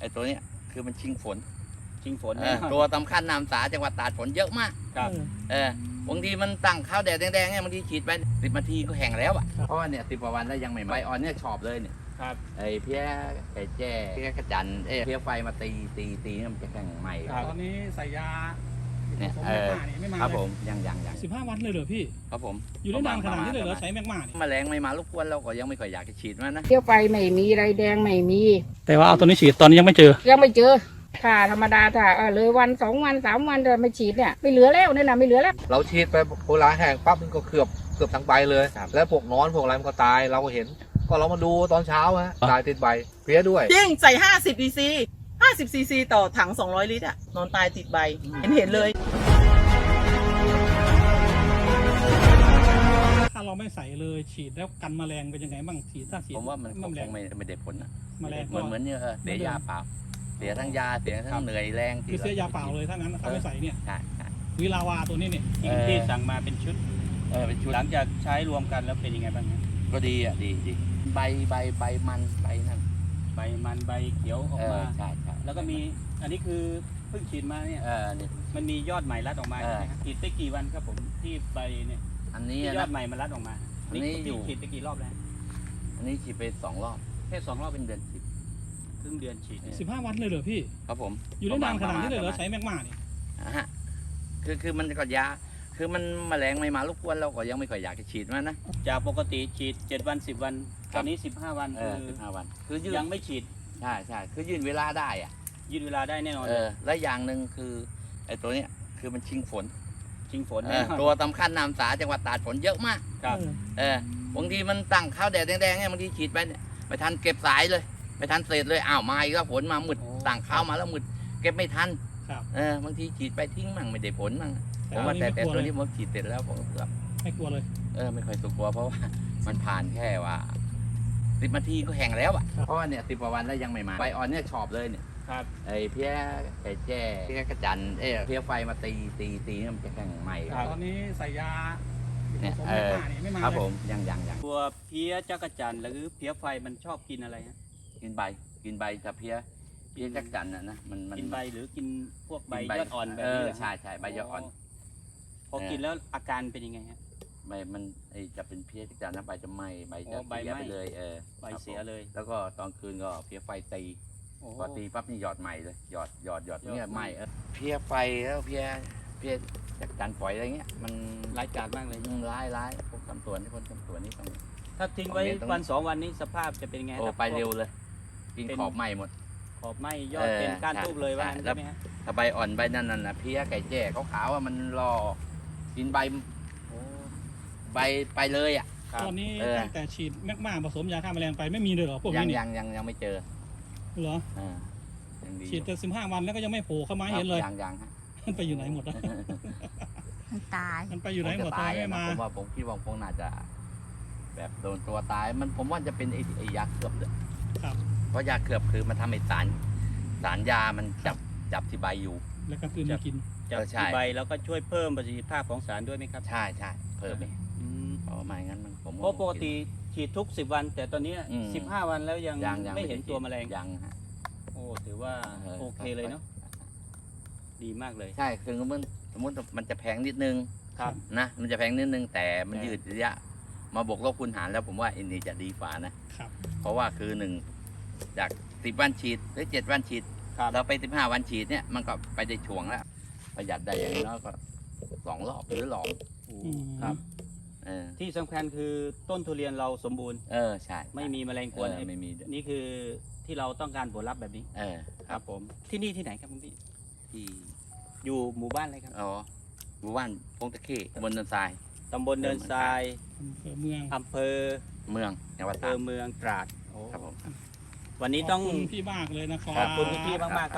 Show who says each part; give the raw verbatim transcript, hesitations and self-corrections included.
Speaker 1: อ้ตัวเนี้ยคือมันชิงฝน
Speaker 2: ชิงฝน
Speaker 1: เออตัวสำคัญนามสาจังหวัดตราดฝนเยอะมาก
Speaker 2: ครับ
Speaker 1: เออบางทีมันตั้งข้าวแดดแดงๆเนี่ยบางทีฉีดไปสิบนาทีก็แห้งแล้วอ่ะเพราะว่าเนี่ยสิบกว่าวันแล้วยังไม่ใบอ่อนเนี่ยชอบเลยเนี่ย
Speaker 2: ครับ
Speaker 1: ไอ้เพี้ยไอ้แจ้เพี้ยกระจันเอ้ยเพี้ยไฟมาตีตีตีเนี่ยมันจะแข็งใหม่
Speaker 3: ตอนนี้ใส่ยา
Speaker 1: เนี่ย
Speaker 3: ผสม
Speaker 1: เอ
Speaker 3: แมก
Speaker 1: อ
Speaker 3: มานี่ไม่มา
Speaker 1: ครับ
Speaker 3: เล
Speaker 1: ผ
Speaker 3: ย
Speaker 1: มยังยังยัง
Speaker 3: สิบห้าวันเลยเหรอพี่
Speaker 1: ครับผม
Speaker 3: อยู่ได้นานขนาดนี้เลยเหรอใช้แมกมานี่
Speaker 1: แมลงไม่มารบกวนเราก็ยังไม่ค่อยอยากจะฉีดมันนะ
Speaker 4: เที่ยวไปไม่มีไรแดงไม่มี
Speaker 3: แต่ว่าเอาตัวนี้ฉีดตอนนี้ยังไม่เจอ
Speaker 4: ยังไม่เจอถ้าธรรมดาถ้าเออเลยวันสองวันสามวันจะไม่ฉีดเนี่ยไม่เหลือแล้วเนี่ยนะไม่เหลือแล้ว
Speaker 5: เราฉีดไปโบราณแห้งปั๊บมันก็เกือบเกือบทั้งใบเลย แล้วพวกนอนพวกอะไรมันก็ตายเราก็เห็น ก็เรามาดูตอนเช้าฮะตายติดใบเพี้ยด้วย
Speaker 6: จริงใส่ ห้าสิบ ซีซี ห้าสิบ ซีซี ต่อถัง สองร้อย ลิตรอะนอนตายติดใบ เห็นเห็นเลย
Speaker 3: ถ้าเราไม่ใส่เลยฉีดแล้วกันแมลงเป็นยังไงบ้างฉีดถ้าฉีด
Speaker 1: ผมว่ามันคง
Speaker 3: แมลง
Speaker 1: ไม่ไม่ได้ผลนะ
Speaker 3: แมลง
Speaker 1: เหมือนเหมือนเนี่ยเออเสียยาเปล่าเสียทั้งยาเสียทั้งเหนื่อยแรง
Speaker 3: คือเสียยาเปล่าเลยถ้างั้นถ้าไม่ใส่เนี่ย
Speaker 1: ใช่ใช่
Speaker 3: วิลาวาตัวนี้เนี่ย
Speaker 2: ที่ที่สั่งมาเป็นชุด
Speaker 1: เออเป็นชุด
Speaker 2: หลังจากใช้รวมกันแล้วเป็นยังไงบ้างครับ
Speaker 1: ก็ดีอ่ะดีดีใบใบใบมันใบนั่น
Speaker 2: ใบมันใบเขียวออก
Speaker 1: เออ
Speaker 2: มา
Speaker 1: ใช่ใช่
Speaker 2: แล้วก็มีอันนี้คือเพิ่งฉีดมาเนี่ย
Speaker 1: เออนี่
Speaker 2: มันมียอดใหม่รัดออกมา
Speaker 1: เออ
Speaker 2: ใช่ไหมครับฉีดไปกี่วันครับผมที่ใบเนี่ย
Speaker 1: อันนี้
Speaker 2: ที่ยอ
Speaker 1: นะ
Speaker 2: ดใหม่มันรัดออกมา
Speaker 1: อันนี้
Speaker 2: นี่
Speaker 1: อยู่
Speaker 2: ฉีดไปกี่รอบแล้ว
Speaker 1: อันนี้ฉีดไปสองรอบ
Speaker 2: แค่สองรอบ
Speaker 1: เป็นเดือนสิบ
Speaker 2: ครึ่งเดือนฉีดเนี่ย
Speaker 3: สิบห้าวันเลยเหรอพี่
Speaker 1: ครับผม
Speaker 3: อยู่ได้นานขนาดนี้เลยเหรอ
Speaker 1: ประมาณ
Speaker 3: ใช้แมกมานี่
Speaker 1: อ่ะฮะคือคือมันก็ยาคือมันแมลงไม่มารบกวนเราก็ยังไม่ค่อยอยากจะฉีดมันนะ
Speaker 2: จากปกติฉีดเจ็ดวันสิบวัน
Speaker 1: ค
Speaker 2: ต
Speaker 1: รับ
Speaker 2: อนนี้สิบห้าวัน
Speaker 1: เอ
Speaker 2: คือ อ
Speaker 1: สิบห้าวัน คือยืด
Speaker 2: ยังไม่ฉีด
Speaker 1: ใช่ใช่คือยืดเวลาได้อ่ะ
Speaker 2: ยืดเวลาได้แน่นอน
Speaker 1: เออและอย่างหนึ่งคือไอ้ตัวเนี้ยคือมันชิงฝน
Speaker 2: ชิงฝน
Speaker 1: เอ
Speaker 2: แน่
Speaker 1: อน
Speaker 2: อน
Speaker 1: ตัวสำคัญนามสาจังหวัดตราดฝนเยอะมาก
Speaker 2: ครับ
Speaker 1: เออบางทีมันตั้งข้าวแดดแดงๆเนี่ยบางทีฉีดไปเนี่ยไม่ทันเก็บสายเลยไม่ทันเศษเลยอ้าวมาอีกแล้วฝนมามืดตั้งข้าวมาแล้วมืดเก็บไม่ทัน
Speaker 3: ครับ
Speaker 1: เออบางทีฉีดไปทิ้งมั่งไม่ได้ผลมั่งผม
Speaker 3: อั
Speaker 1: ว่าน แต่
Speaker 3: นี้
Speaker 1: แต่
Speaker 3: ไม่กลัว
Speaker 1: ตัว
Speaker 3: เลย
Speaker 1: นี้ผมฉีดเสร็จแล้วผมก็
Speaker 3: ไม่กลัวเลย
Speaker 1: เออไม่ค่อยสุกลัวเพราะว่า มันผ่านแค่ว่าสิบนาทีก็แห้งแล้วอ่ะเพราะว่าเนี่ยสิบกว่าวันแล้วยังไม่มาใบอ่อนเนี่ยชอบเลยเนี่ย
Speaker 2: ครับ
Speaker 1: ไอ้เพี้ยไอ้แจ้เพี้ยกระจันเอ้ยเพี้ยไฟมาตีตีตีเนี่ยมันจะแข็งใหม่
Speaker 3: ตอนนี้ใส่ยา
Speaker 1: เนี่ย
Speaker 3: ผสม
Speaker 1: เอ
Speaker 3: แมก
Speaker 1: อ
Speaker 3: มานี่ไม่มา
Speaker 1: ครับ
Speaker 3: เลย
Speaker 1: ผมยังยังยัง
Speaker 2: ตัวเพี้ยจักรจันทร์หรือเพี้ยไฟมันชอบกินอะไรฮะ
Speaker 1: กินใบกินใบจะเพี้ยเพี้ยจักจันน่ะนะมันมัน
Speaker 2: กินใบหรือกินพวกใบ
Speaker 1: กิน
Speaker 2: ยอดอ่อนแบบ
Speaker 1: เอ
Speaker 2: นี้
Speaker 1: อ
Speaker 2: เหรอ
Speaker 1: ใช่ใช่ใบยอดอ่อน
Speaker 2: พอกินแล้วอาการเป็นยังไงฮะ
Speaker 1: ใบมันไอจะเป็นเพี้ยจักจันนะใบจะไหม้ใบ
Speaker 2: อ๋
Speaker 1: จะ
Speaker 2: อใบ
Speaker 1: เสีย
Speaker 2: ไหม้
Speaker 1: ไปเลยเออ
Speaker 2: ใบเสีย
Speaker 1: ครับผม
Speaker 2: เลย
Speaker 1: แล้วก็ตอนคืนก็เพี้ยไฟตี
Speaker 2: โอ้
Speaker 1: พอตีปั๊บนี่หยอดใหม่เลยหยอดหยอดหยอด
Speaker 2: หยอด
Speaker 1: เนี่ย
Speaker 2: ให
Speaker 1: ไห
Speaker 2: ม่
Speaker 1: ม้เออเพี้ยไฟแล้วเพี้ยเพี้ยจักจันฝอยอะไรเงี้ยมัน
Speaker 2: ร้ายกาจมากเลย
Speaker 1: มันร้ายร้ายพวกตำสวนที่คนตำสวนนี่ต้อง
Speaker 2: ถ้าทิ้งไว้
Speaker 1: ตรงนี้ตรงนี้
Speaker 2: วันสองวันนี้สภาพจะเป็นยังไง
Speaker 1: โอ้
Speaker 2: ครับ
Speaker 1: ไปเร็วเลย กิน
Speaker 2: เป็น
Speaker 1: ขอบไหม้หมด
Speaker 2: ขอบไหมยอด
Speaker 1: เออ
Speaker 2: เป็นก้าน
Speaker 1: ใช่
Speaker 2: ทูบเลยว่า
Speaker 1: ใช่
Speaker 2: งั้น
Speaker 1: แล้
Speaker 2: ใช่
Speaker 1: ว
Speaker 2: ไหมฮะ
Speaker 1: ถ้าใบอ่อนใบนั่นน่ะนะเพี้ยไก่แจ้ขาวๆว่ามันรอกินใบ
Speaker 2: โอ้
Speaker 1: ใบไปเลยอ่ะ
Speaker 2: ครับ
Speaker 3: ตอนนี้
Speaker 1: เออ
Speaker 3: ตั้งแต่ฉีดแมกมาผสมยาฆ่าแมลงไปไม่มีเลยเหรอพวก
Speaker 1: ยั
Speaker 3: นี้
Speaker 1: ง
Speaker 3: นี่
Speaker 1: ยังยังยังไม่เจอ
Speaker 3: เหรอ
Speaker 1: อ่ายังดี
Speaker 3: ฉีดแต่สิบห้าวันแล้วก็ยังไม่โผล่เข้ามาให้เห็นเลย
Speaker 1: ยังยังฮะ
Speaker 3: มันไปอยู่ไหนหมดแล้ว
Speaker 4: มันตาย
Speaker 3: มันไปอยู่ไหนหมด
Speaker 1: ผ
Speaker 3: ทำ
Speaker 1: จะ
Speaker 3: ไม
Speaker 1: ตาย
Speaker 3: ไม่
Speaker 1: อะ
Speaker 3: มา
Speaker 1: นะผมว่าผมคิดว่าคงน่าจะ แบบโดนตัวตายมันผมว่าจะเป็นไอ้ไอ้ยาเขือบเลย
Speaker 3: ครับ
Speaker 1: เพราะยาเขือบคือมันทำให้สารสารยามันจับจับที่ใบอยู่
Speaker 3: แล้วก็คืนมากิน
Speaker 2: จาก
Speaker 1: เออใช่
Speaker 2: ที่ใบแล้วก็ช่วยเพิ่มประสิทธิภาพของสารด้วยไหมครับ
Speaker 1: ใช่ใช่เพิ่มไป
Speaker 2: อืม
Speaker 1: เพราะไม่งั้นมันผม
Speaker 2: เพราะปกติฉีดทุกสิบวัน แต่ตอนนี้
Speaker 1: อืม
Speaker 2: สิบห้าวันแล้วยัง
Speaker 1: ยังยัง
Speaker 2: ไม่เห็นตัวแมลง
Speaker 1: ยังฮะ
Speaker 2: โอ้ถือว่าโอเคเลยเนาะดีมากเลย
Speaker 1: ใช่คือมันสมมติมันจะแพงนิดนึง
Speaker 2: ครับ
Speaker 1: นะมันจะแพงนิดนึงแต่มัน
Speaker 2: แต่
Speaker 1: ยืดระยะ มาบวกลบคูณหารแล้วผมว่าอันนี้จะดีฝ่านะครับ เพราะว่าคือหนึ่งจากสิบวันฉีดหรือเจ็ดวันฉีด
Speaker 2: ครับ
Speaker 1: เราไปสิบห้าวันฉีดเนี่ยมันก็ไปได้ช่วงแล้วประหยัดได้อย่างน้อยก็สองรอบหรือหลอก
Speaker 3: อืม
Speaker 2: ครับ
Speaker 1: เออ
Speaker 2: ที่สำคัญคือต้นทุเรียนเราสมบูรณ์
Speaker 1: เออใช่
Speaker 2: ไม่มีแมลงก
Speaker 1: เอ
Speaker 2: วน
Speaker 1: อไม่มีด้วย
Speaker 2: นี่คือที่เราต้องการผลลัพธ์แบบนี้
Speaker 1: เออ
Speaker 2: ครับผมที่นี่ที่ไหนครับคุณพี่
Speaker 1: ที่
Speaker 2: อยู่หมู่บ้านอะไรครับ
Speaker 1: อ๋อหมู่บ้านพงตะเข้ตำบลเนินทราย
Speaker 2: ตำบลเนินทราย
Speaker 3: อำเภอเมือง
Speaker 2: อำเภอ
Speaker 1: เมืองจังหวัด
Speaker 2: อำเภ
Speaker 1: ตรา
Speaker 2: อ
Speaker 1: ด
Speaker 2: เมืองตราดโอ้
Speaker 1: ครับผม
Speaker 2: วันนี้ต้อง
Speaker 3: ขอบคุณพี่มากเลยนะครับ
Speaker 2: ขอบคุณคุณพี่มากๆครับ